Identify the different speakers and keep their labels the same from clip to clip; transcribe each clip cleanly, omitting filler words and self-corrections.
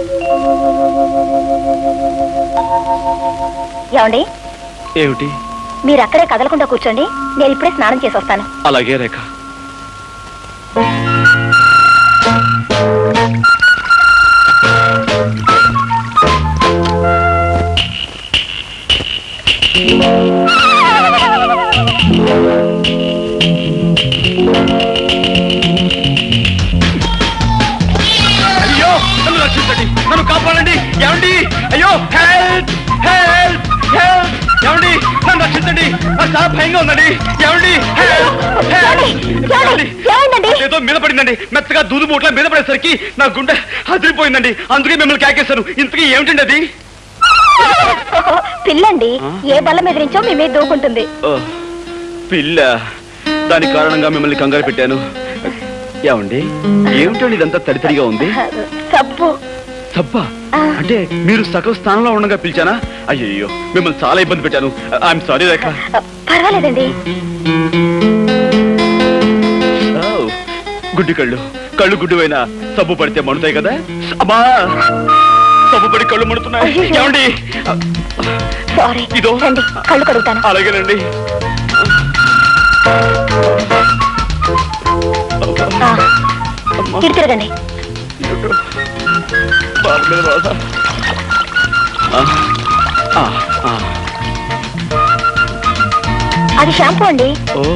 Speaker 1: ఏమండి?
Speaker 2: ఏమిటి?
Speaker 1: మీరు అక్కడే కదలకుండా కూర్చోండి, నేను ఇప్పుడే స్నానం చేసి వస్తాను.
Speaker 2: అలాగే రేఖ. అయ్యో, నన్ను రక్షించండి, నన్ను కాపాడండి. ఏమండి? అయ్యో, హెల్ప్ హెల్ప్ హెల్ప్! ఏమండి, నన్ను రక్షించండి, నాకు చాలా భయంగా ఉందండి. ఏమండి? ఏదో మీద పడిందండి, మెత్తగా దూదు మూట్ల మీద పడేసరికి నా గుండె అదిరిపోయిందండి. అందుకే మిమ్మల్ని కేకేశాను. ఇంతకీ ఏమిటండి అది?
Speaker 1: పిల్లండి, ఏ బల్ల మీద నుంచో మీ మీద దూకుంటుంది.
Speaker 2: పిల్ల? దాని కారణంగా మిమ్మల్ని కంగారు పెట్టాను. ఏమండి, ఏమిటండి ఇదంతా తడితడిగా ఉంది?
Speaker 1: సబ్బు.
Speaker 2: సబ్బా? అంటే మీరు సగం స్థానంలో ఉండగా పిలిచానా? అయ్యో, మిమ్మల్ని చాలా ఇబ్బంది పెట్టాను. I'm sorry Rekha.
Speaker 1: పర్వాలేదండి.
Speaker 2: గుడ్డి కళ్ళు, కళ్ళు గుడ్డువైనా సబ్బు పడితే మండుతాయి కదా. అమ్మా, సబ్బు పడి కళ్ళు మండుతున్నాయి. ఏమండి?
Speaker 1: ఇదో కళ్ళు కడుగుతాను.
Speaker 2: అలాగేనండి.
Speaker 1: తిరగండి. అది షాంపూ అండి.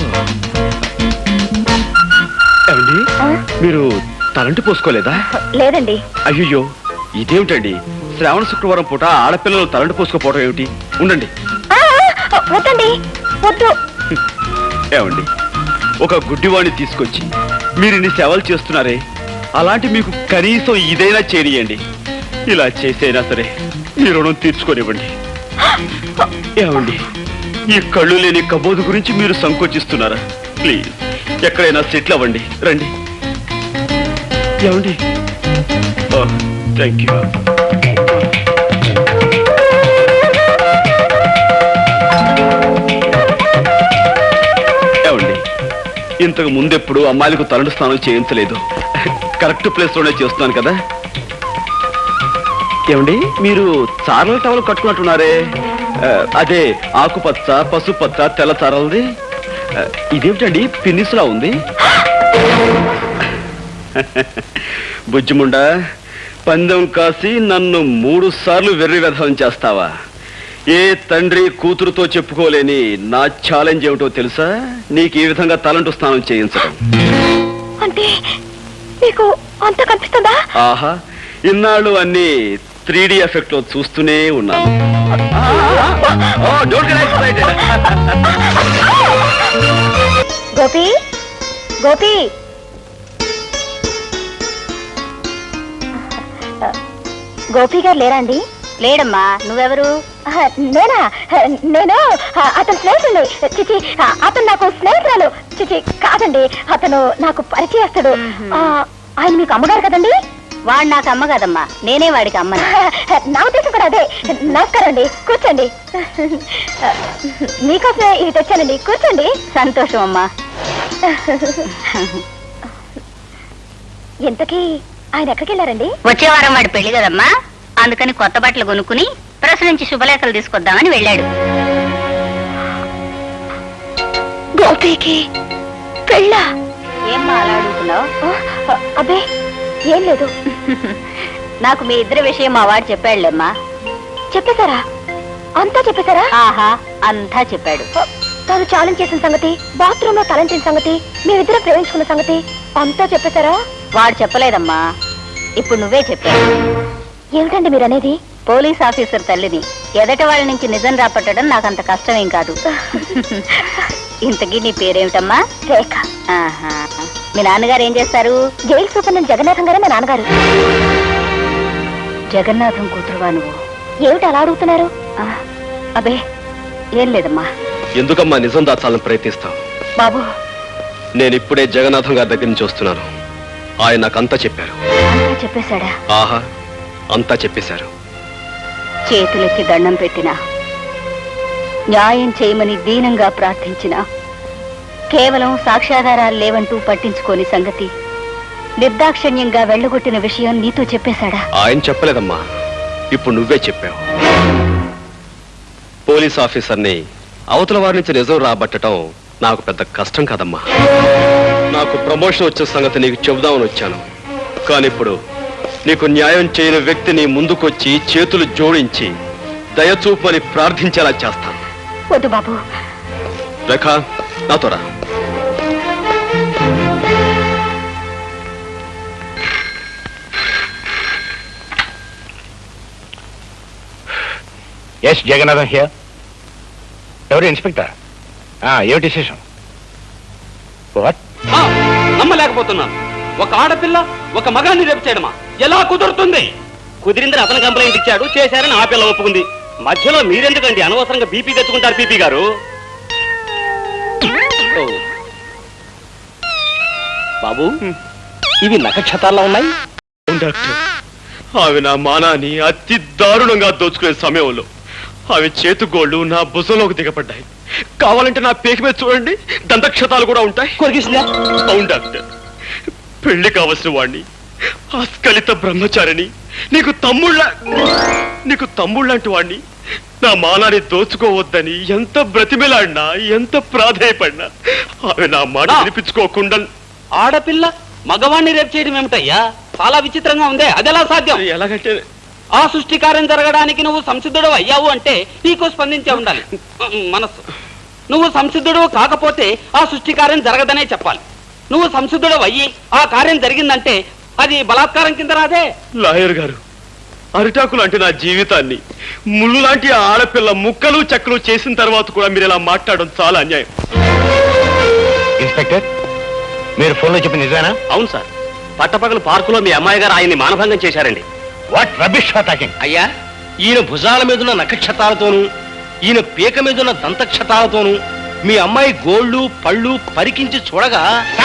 Speaker 2: ఏమండి, మీరు తలంటి పోసుకోలేదా?
Speaker 1: లేదండి.
Speaker 2: అయ్యో, ఇదేమిటండి? శ్రావణ శుక్రవారం పూట ఆడపిల్లలు తలంటి పోసుకోపోవడం ఏమిటి? ఉండండి.
Speaker 1: వద్దండి, వద్దు.
Speaker 2: ఏమండి, ఒక గుడ్డివాణ్ణి తీసుకొచ్చి మీరు ఇన్ని సేవలు చేస్తున్నారే, అలాంటి మీకు కనీసం ఇదైనా చేరియండి. ఇలా చేసైనా సరే మీ రుణం తీర్చుకోనివ్వండి. ఏమండి, ఈ కళ్ళు లేని కబోదు గురించి మీరు సంకోచిస్తున్నారా? ప్లీజ్, ఎక్కడైనా సెటిల్ అవ్వండి. రండి. ఏమండి? Thank you. ఏమండి, ఇంతకు ముందెప్పుడు అమ్మాయిలకు తలంటు స్నానం చేయించలేదు. కరెక్ట్ ప్లేస్ లోనే చేస్తున్నాను కదా. ఏమండి, మీరు చారల టవల్ కట్టుకున్నట్టున్నారే, అదే ఆకుపచ్చ, పసుపచ్చ, తెల్ల చారలది. ఇదేమిటండి పిన్నిస్లా ఉంది? బుజ్జిముండా, పందెం కాసి నన్ను 3 సార్లు వెర్రి వెధం చేస్తావా? ఏ తండ్రి కూతురుతో చెప్పుకోలేని నా ఛాలెంజ్ ఏమిటో తెలుసా? నీకు ఈ విధంగా తలంటు స్నానం చేయించడం.
Speaker 1: అంటే మీకు అంత కనిపిస్తుందా?
Speaker 2: ఆహా, ఇన్నాళ్ళు అన్ని 3D ఎఫెక్ట్ లో చూస్తూనే ఉన్నాను.
Speaker 1: గోపి, గోపి, గోపి గారు లేరా అండి? లేడమ్మా. నువ్వెవరు? నేనా? నేను అతను స్నేహితుడు. చిచి, అతను నాకు స్నేహితురాలు. చిచి కాదండి, అతను నాకు పరిచయస్తుడు. ఆయన మీకు అమ్మగారు కదండి? వాడు నాకు అమ్మ కదమ్మా, నేనే వాడికి అమ్మ. నా ఉద్దేశం కూడా అదే. నమస్కారం అండి, కూర్చోండి. మీకోసమే ఇవి తెచ్చానండి, కూర్చోండి. సంతోషం అమ్మా. ఇంతకీ ఆయన ఎక్కడికి వెళ్ళారండి?
Speaker 3: వచ్చే వారం వాడి పెళ్లి కదమ్మా, అందుకని కొత్త బట్టలు కొనుక్కుని ప్రెస్ నుంచి శుభలేఖలు తీసుకొద్దామని వెళ్ళాడు.
Speaker 1: గోపికి పెళ్ళా?
Speaker 3: ఏమ్మా అలా అడుగుతున్నావు?
Speaker 1: అబ్బే ఏం లేదు.
Speaker 3: నాకు మీ ఇద్దరి విషయం మా వాడు చెప్పాడులేమ్మా.
Speaker 1: చెప్పేశారా? అంతా చెప్పేశారా?
Speaker 3: ఆహా, అంతా చెప్పాడు.
Speaker 1: తాను ఛాలెంజ్ చేసిన సంగతి, బాత్రూమ్ లో తలంచిన సంగతి, మేమిద్దరం ప్రేమించుకున్న సంగతి అంతా చెప్పేశారా?
Speaker 3: వాడు చెప్పలేదమ్మా, ఇప్పుడు నువ్వే చెప్పావు.
Speaker 1: ఏమిటండి మీరు అనేది?
Speaker 3: పోలీస్ ఆఫీసర్ తల్లిని, ఎదటి వాళ్ళ నుంచి నిజం రాపట్టడం నాకంత కష్టమేం కాదు. ఇంతకీ నీ పేరేమిటమ్మా?
Speaker 1: రేఖ.
Speaker 3: ఆహా, మీ నాన్నగారు ఏం చేస్తారు?
Speaker 1: జైలు సూపరింటెండెంట్ జగన్నాథం గారే మా నాన్నగారు.
Speaker 3: జగన్నాథం కూతురువా నువ్వు?
Speaker 1: ఏమిటి అలా అడుగుతున్నారు?
Speaker 3: అబే ఏం లేదమ్మా.
Speaker 2: ఎందుకమ్మా నిజం దాచాలని ప్రయత్నిస్తావు?
Speaker 3: బాబు,
Speaker 2: నేను ఇప్పుడే జగన్నాథం గారి దగ్గర నుంచి వస్తున్నాను. ఆయన నాకంతా చెప్పారు.
Speaker 3: అంతా చెప్పేశాడా?
Speaker 2: ఆహా, అంతా చెప్పేశారు.
Speaker 3: చేతులెత్తి దండం పెట్టినా, న్యాయం చేయమని దీనంగా ప్రార్థించినా కేవలం సాక్ష్యాధారాలు లేవంటూ పట్టించుకోని సంగతి
Speaker 1: నిర్దాక్షిణ్యంగా వెళ్ళగొట్టిన విషయం నీతో చెప్పేశాడా?
Speaker 4: ఆయన చెప్పలేదమ్మా, ఇప్పుడు నువ్వే చెప్పావు. పోలీస్ ఆఫీసర్ని అవతల వారి నుంచి నిజం రాబట్టడం నాకు పెద్ద కష్టం కాదమ్మా. నాకు ప్రమోషన్ వచ్చే సంగతి నీకు చెబుదామని వచ్చాను. కానీ ఇప్పుడు నీకు న్యాయం చేయని వ్యక్తిని ముందుకొచ్చి చేతులు జోడించి దయచూపని ప్రార్థించేలా చేస్తాను.
Speaker 1: వద్దు బాబు.
Speaker 4: రేఖ, నాతో రా.
Speaker 5: Yes Jagannatham here. ఎవరు ఇన్స్పెక్టర్? ఏమిటి విశేషం? వాట్?
Speaker 6: నమ్మలేకపోతున్నాను. ఒక ఆడపిల్ల ఒక మగాన్ని రేపు చేయడమా? ఎలా కుదురుతుంది? కుదిరిందని అతను కంప్లైంట్ ఇచ్చాడు, చేశారని ఆ పిల్ల ఒప్పుకుంది. మధ్యలో మీరెందుకండి అనవసరంగా బీపీ తెచ్చుకుంటారు? పీపీ గారు, బాబు, ఇవి నక్షత్రాల్లో ఉన్నాయి.
Speaker 2: డాక్టర్, ఆమె నా మానాన్ని అతి దారుణంగా దోచుకునే సమయంలో ఆమె చేతుగోళ్లు నా భుజంలోకి దిగబడ్డాయి. కావాలంటే నా పేక మీద చూడండి, దంతక్షతాలు కూడా ఉంటాయి.
Speaker 6: కొరికిసిందా?
Speaker 2: అవును డాక్టర్, పెళ్లి కావలసిన వాణ్ణి, ఆస్కలిత బ్రహ్మచారిని, నీకు తమ్ముళ్ళంటి వాణ్ణి నా మానాన్ని దోచుకోవద్దని ఎంత బ్రతిమిలాడినా, ఎంత ప్రాధేయపడినా ఆమె నా మాట వినిపించుకోకుండా.
Speaker 6: ఆడపిల్ల మగవాణ్ణి రేపు చేయడం ఏమిటయ్యా? చాలా విచిత్రంగా ఉందే. అదెలా సాధ్యం?
Speaker 2: ఎలాగంటే
Speaker 6: ఆ సృష్టి కార్యం జరగడానికి నువ్వు సంసిద్ధుడు అయ్యావు అంటే నీకు స్పందించే ఉండాలి మనస్సు. నువ్వు సంసిద్ధుడు కాకపోతే ఆ సృష్టి కార్యం జరగదనే చెప్పాలి. నువ్వు సంసిద్ధుడు అయ్యి ఆ కార్యం జరిగిందంటే అది బలాత్కారం కింద రాదే.
Speaker 2: లాయర్ గారు, అరిటాకు లాంటి నా జీవితాన్ని ముళ్ళు లాంటి ఆడపిల్ల ముక్కలు చెక్కలు చేసిన తర్వాత కూడా మీరు ఇలా మాట్లాడడం చాలా అన్యాయం.
Speaker 5: ఇన్స్పెక్టర్, మీరు ఫోన్లో చెప్పిన నిజానా?
Speaker 6: అవును సార్, పట్టపగలు పార్కులో మీ అమ్మాయి గారు ఆయన్ని మానభంగం చేశారండి.
Speaker 5: What rubbish talking?
Speaker 6: అయ్యా, ఈయన భుజాల మీదున్న నక్షత్రాలతోనూ ఈయన పీక మీదున్న దంతక్షతాలతోనూ మీ అమ్మాయి గోళ్ళు పళ్ళు పరికించి చూడగా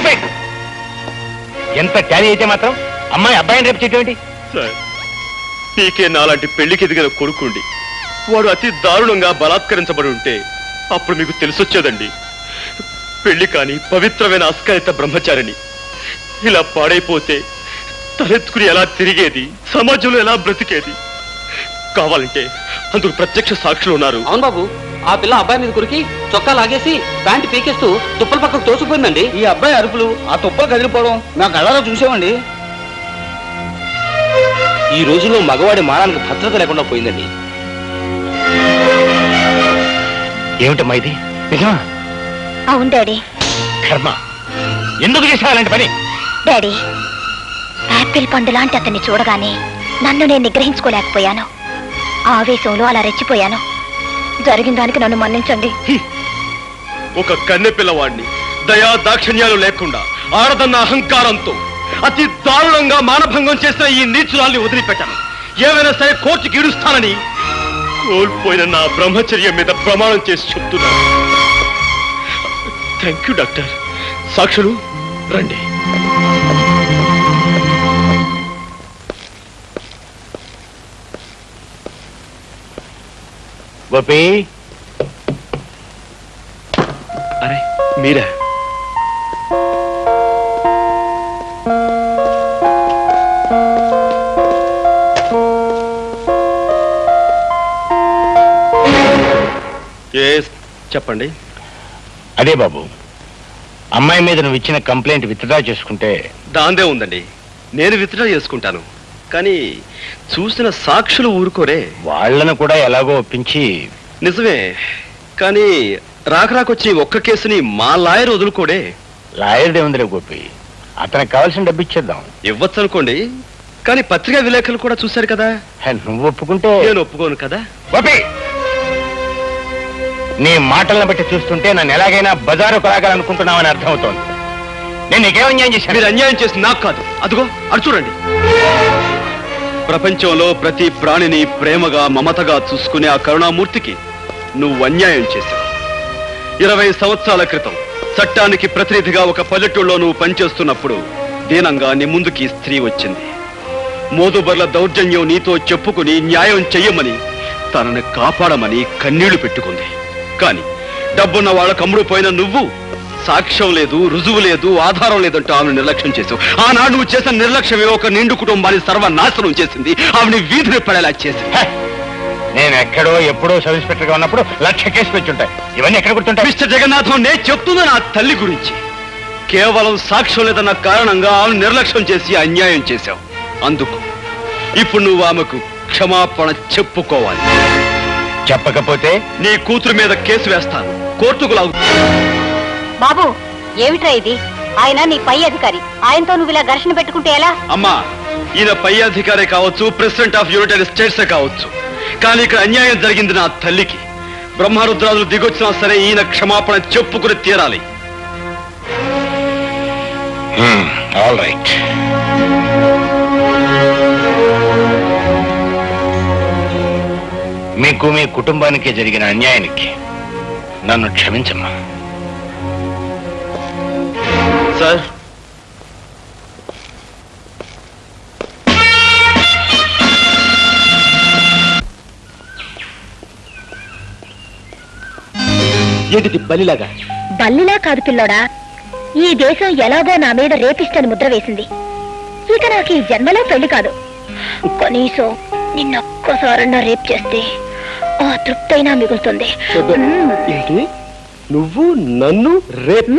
Speaker 5: ఎంత ట్యాలీ అయితే మాత్రం అమ్మాయి అబ్బాయిని రేపు చేయటం?
Speaker 2: సార్, పీకే నాలాంటి పెళ్లికి ఎదిగిన కొడుకుండి వాడు అతి దారుణంగా బలాత్కరించబడి ఉంటే అప్పుడు మీకు తెలిసొచ్చేదండి. పెళ్లి కాని పవిత్రమైన అస్కలిత బ్రహ్మచారిని ఇలా పాడైపోతే తలెత్తుకుని ఎలా తిరిగేది, సమాజంలో ఎలా బ్రతికేది? కావాలంటే అందుకు ప్రత్యక్ష సాక్షులు ఉన్నారు.
Speaker 6: అవును బాబు, ఆ పిల్ల అబ్బాయి మీద కురికి చొక్కా లాగేసి ప్యాంటు పీకేస్తూ తుప్పల పక్కకు తోసిపోయిందండి. ఈ అబ్బాయి అరుపులు, ఆ తుప్పలు కదిలిపోవడం నా కళ్ళలో చూసామండి. ఈ రోజుల్లో మగవాడి మానానికి భద్రత లేకుండా పోయిందండి.
Speaker 5: ఏమిటమ్మా ఇది? నిజమా?
Speaker 1: అవును డాడీ.
Speaker 5: కర్మ, ఎందుకు చేసావు అలాంటి పని?
Speaker 1: డాడీ, యాపిల్ పండు లాంటి అతన్ని చూడగానే నన్ను నేను నిగ్రహించుకోలేకపోయాను. ఆవేశంలో అలా రెచ్చిపోయాను. జరిగిన దానికి నన్ను మన్నించండి.
Speaker 2: ఒక కన్నె పిల్లవాడిని దయా దాక్షిణ్యాలు లేకుండా ఆడదన్న అహంకారంతో అతి దారుణంగా మానభంగం చేసిన ఈ నీచురాల్ని వదిలిపెట్టాను. ఏమైనా సరే కోర్టుకి ఇడుస్తానని కోల్పోయిన నా బ్రహ్మచర్యం మీద ప్రమాణం చేసి చెప్తున్నాను. Thank you doctor. సాక్షులు రండి.
Speaker 5: గోపి,
Speaker 2: అరే మీరా? చెప్పండి.
Speaker 5: అదే బాబు, అమ్మాయి మీద నువ్వు ఇచ్చిన కంప్లైంట్ విత్డ్రా చేసుకుంటే.
Speaker 4: దాందే ఉందండి, నేను విత్డ్రా చేసుకుంటాను. కానీ చూసిన సాక్షులు ఊరుకోరే.
Speaker 5: వాళ్ళను కూడా ఎలాగో ఒప్పించి.
Speaker 4: నిజమే, కానీ రాకరాకొచ్చి ఒక్క కేసుని మా లాయర్ వదులుకోడే.
Speaker 5: లాయర్దే ఉందిలే గోపి, అతనికి కావాల్సిన డబ్బు ఇచ్చేద్దాం.
Speaker 4: ఇవ్వచ్చు అనుకోండి, కానీ పత్రికా విలేకరులు కూడా చూశారు కదా.
Speaker 5: నువ్వు ఒప్పుకుంటే.
Speaker 4: నేను ఒప్పుకోను కదా.
Speaker 5: గోపి, నీ మాటలను బట్టి చూస్తుంటే నన్ను ఎలాగైనా బజారు కొలాగాలనుకుంటున్నావని అర్థమవుతోంది. నేను నీకేం అన్యాయం చేశాను?
Speaker 2: మీరు అన్యాయం చేసి నాకు కాదు, అదిగో అటు చూడండి. ప్రపంచంలో ప్రతి ప్రాణిని ప్రేమగా మమతగా చూసుకునే ఆ కరుణామూర్తికి నువ్వు అన్యాయం చేశావు. 20 సంవత్సరాల క్రితం చట్టానికి ప్రతినిధిగా ఒక పల్లెటూళ్ళలో నువ్వు పనిచేస్తున్నప్పుడు దీనంగా నీ ముందుకి స్త్రీ వచ్చింది. మోదుబర్ల దౌర్జన్యం నీతో చెప్పుకుని న్యాయం చెయ్యమని, తనని కాపాడమని కన్నీళ్లు పెట్టుకుంది. కాని డబ్బున్న వాళ్ళ కమ్ముడు పోయిన నువ్వు సాక్ష్యం లేదు, రుజువు లేదు, ఆధారం లేదంటూ ఆమెను నిర్లక్ష్యం చేసావు. ఆనాడు నువ్వు చేసిన నిర్లక్ష్యమే ఒక నిండు కుటుంబాన్ని సర్వనాశనం చేసింది. ఆమెని వీధిని పడేలా చేసింది.
Speaker 5: హ! నేను ఎక్కడో ఎప్పుడో సబ్ ఇన్స్పెక్టర్ గా ఉన్నప్పుడు 1,00,000 కేసు పెంచుంటాయి. ఇవన్నీ ఎక్కడ గుర్తుంటాయి?
Speaker 2: మిస్టర్ జగన్నాథం, నేను చెప్తున్నా నా తల్లి గురించి. కేవలం సాక్ష్యం లేదన్న కారణంగా ఆమెను నిర్లక్ష్యం చేసి అన్యాయం చేశావు. అందుకు ఇప్పుడు నువ్వు ఆమెకు క్షమాపణ చెప్పుకోవాలి.
Speaker 5: చెప్పకపోతే
Speaker 2: నీ కూతురు మీద కేసు వేస్తాను, కోర్టుకు లాగు.
Speaker 1: బాబు ఏమిట్రా ఇది? ఆయన నీ పై అధికారి, ఆయనతో నువ్వు ఇలా ఘర్షణ పెట్టుకుంటే ఎలా?
Speaker 2: అమ్మా, ఈయన పై అధికారే కావచ్చు, ప్రెసిడెంట్ ఆఫ్ యునైటెడ్ స్టేట్స్ కావచ్చు, కానీ ఇక్కడ అన్యాయం జరిగింది నా తల్లికి. బ్రహ్మరుద్రాదులు దిగొచ్చినా సరే ఈయన క్షమాపణ చెప్పుకుని తీరాలి.
Speaker 5: All right. మీకు మీ కుటుంబానికి జరిగిన అన్యాయానికి నన్ను క్షమించమ్మా.
Speaker 2: సార్,
Speaker 4: ఏంటిది బలిలాగా?
Speaker 1: బల్లిలా కాదు పిల్లోడా, ఈ దేశం ఎలాగో నా మీద రేపిస్టని ముద్ర వేసింది. ఇక నాకు ఈ జన్మలో పెళ్లి కాదు. కనీసం నిన్నొక్కసారన్నా రేప్ చేస్తే ఆ తృప్తైనా మిగులుతుంది.
Speaker 4: ఏంటి, నువ్వు నన్ను రేప్?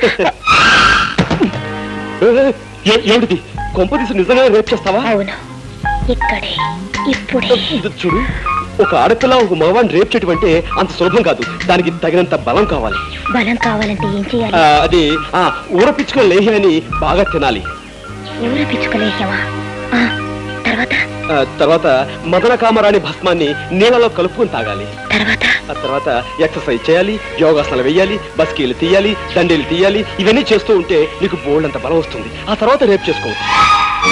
Speaker 4: ఏమిటిది, కొంపదీసి నిజంగా రేప్ చేస్తావా?
Speaker 1: అవును, ఇక్కడే ఇప్పుడే.
Speaker 4: ఇది చూడు, ఒక ఆడపిల్ల ఒక మగవాడిని రేప్ చేయటం అంటే అంత సులభం కాదు. దానికి తగినంత బలం కావాలి.
Speaker 1: బలం కావాలంటే ఏం చేయాలి?
Speaker 4: అది ఊరపిచ్చుకున్న లేహ్యాన్ని బాగా తినాలి.
Speaker 1: ఊర పిచ్చుకలేసావా?
Speaker 4: తర్వాత మదన కామరాణి భస్మాన్ని నీళ్ళలో కలుపుకొని తాగాలి.
Speaker 1: తర్వాత
Speaker 4: తర్వాత ఎక్సర్సైజ్ చేయాలి, యోగాసనాలు వేయాలి, బస్కీలు తీయాలి, దండీలు తీయాలి. ఇవన్నీ చేస్తూ ఉంటే నీకు బోల్డ్ అంత బలం వస్తుంది. ఆ తర్వాత రేపు చేసుకోవచ్చు.